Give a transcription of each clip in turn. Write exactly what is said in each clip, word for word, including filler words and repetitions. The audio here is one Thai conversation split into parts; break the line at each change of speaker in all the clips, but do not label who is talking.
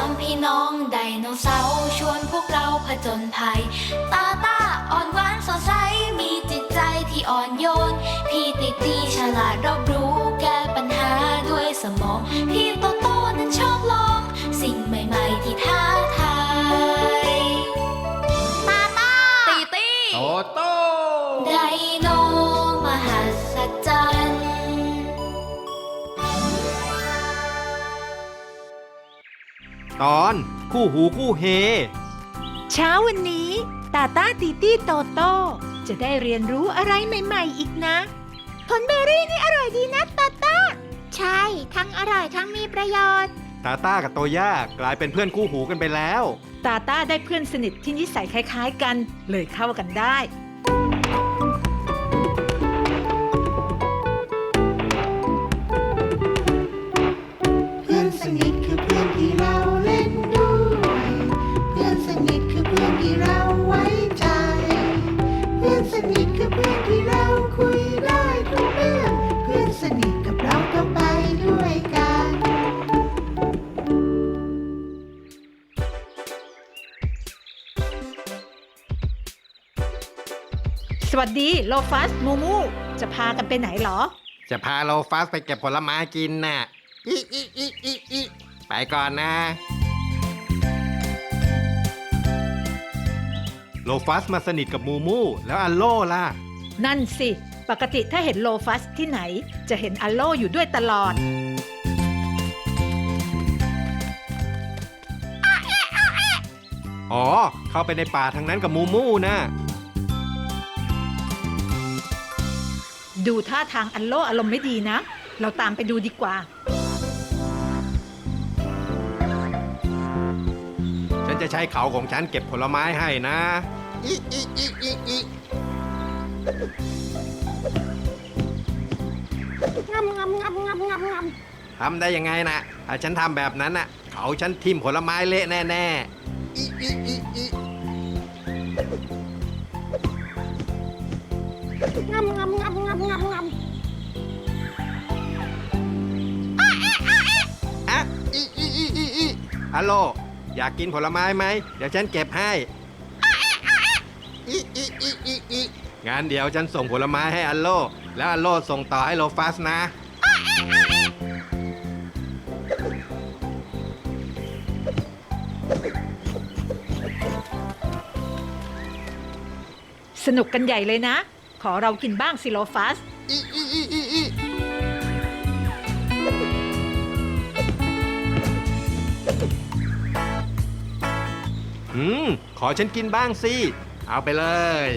ามพี่น้องไดโนเสาร์ชวนพวกเราผจญภัยตาตาอ่อนหวานสดใสมีจิตใจที่อ่อนโยนพี่ติตีฉลาดรอบรู้แก้ปัญหาด้วยสมองพี่โตโตนั้นชอบลองสิ่งใหม่ๆที่ท้าทายตาตาตีตี
โตโต
ไดโนมหัศจรรย์
ตอนคู่หูคู่เฮ
เช้าวันนี้ตาตาตีตี้โตโต้จะได้เรียนรู้อะไรใหม่ๆอีกนะผลเบอร์รี่นี่อร่อยดีนะตาตาใช่ทั้งอร่อยทั้งมีประโยชน์
ตาต้ากับโตย่ากลายเป็นเพื่อนคู่หูกันไปแล้ว
ตาตาได้เพื่อนสนิทที่นิสัยคล้ายๆกันเลยเข้ากันได้
เพื่อนสนิทคือเพื่อนที่เราเล่นด้วยเพื่อนสนิทคือเพื่อนที่เราไว้ใจเพื่อนสนิทคือเพื่อนที่เราคุยได้ทุกเรื่องเพื่อนสนิทกับเราต้องไปด้วยกัน
สวัสดีโลฟัสมูมูจะพากันไปไหนหรอ
จะพาโลฟัสไปเก็บผลไม้กินน่ะอีอีอีอีอีไปก่อนนะโลฟัสมาสนิทกับมูมูแล้วอัลโล่ล่ะ
นั่นสิปกติถ้าเห็นโลฟัสที่ไหนจะเห็นอัลโลอยู่ด้วยตลอด
อ๋อเข้าไปในป่าทางนั้นกับมูมูนะ
ดูท่าทางอัลโลอารมณ์ไม่ดีนะเราตามไปดูดีกว่า
ฉันจะใช้เขาของฉันเก็บผลไม้ให้นะอีอีอีอีอีงำงำงำงำงำงำทำได้ยังไงนะถ้าฉันทำแบบนั้นน่ะเขาฉันทิ่มผลไม้เละแน่ๆอีอีอีอีงำงำงำงำงำงำอะอีอีอีอีอีฮัลโหลอยากกินผลไม้ไหมเดี๋ยวฉันเก็บให้อีอีอีอีอีงานเดี๋ยวฉันส่งผลไม้ให้อัลโลแล้วอัลโลส่งต่อให้โลฟัสนะ
สนุกกันใหญ่เลยนะขอเรากินบ้างสิโลฟัส
อีอีอีอีอีอืมขอฉันกินบ้างสิเอาไปเลย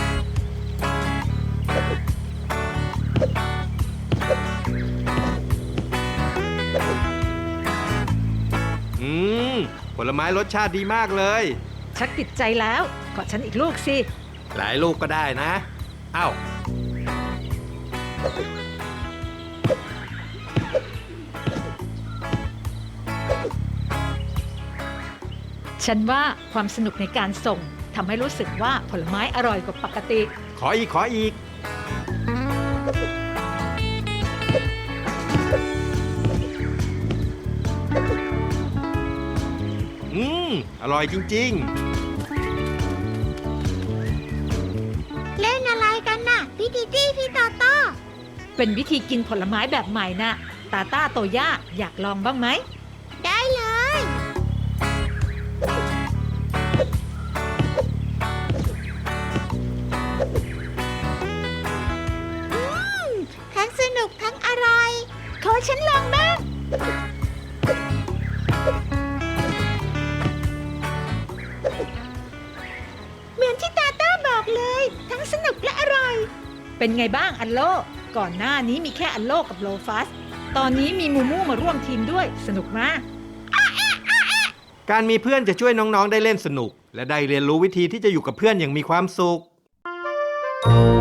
อืมผลไม้รสชาติดีมากเลย
ชักติดใจแล้วขอฉันอีกลูกสิ
หลายลูกก็ได้นะเอ้า
ฉันว่าความสนุกในการส่งทำให้รู้สึกว่าผลไม้อร่อยกว่าปกติ
ขออีกขออีกอืมอร่อยจริง
เล่นอะไรกันน่ะพี่ติตี้พี่โตโต้
เป็นวิธีกินผลไม้แบบใหม่นะตาต้าโตย่าอยากลองบ้างไหม
ได้เลยทั้งสนุกทั้งอร่อยขอฉันลองบ้างเหมือนที่ตาต้าบอกเลยทั้งสนุกและอร่อย
เป็นไงบ้างอัลโลก่อนหน้านี้มีแค่อัลโลกับโลฟัสตอนนี้มีมูมูมาร่วมทีมด้วยสนุกมาก
การมีเพื่อนจะช่วยน้องๆได้เล่นสนุกและได้เรียนรู้วิธีที่จะอยู่กับเพื่อนอย่างมีความสุข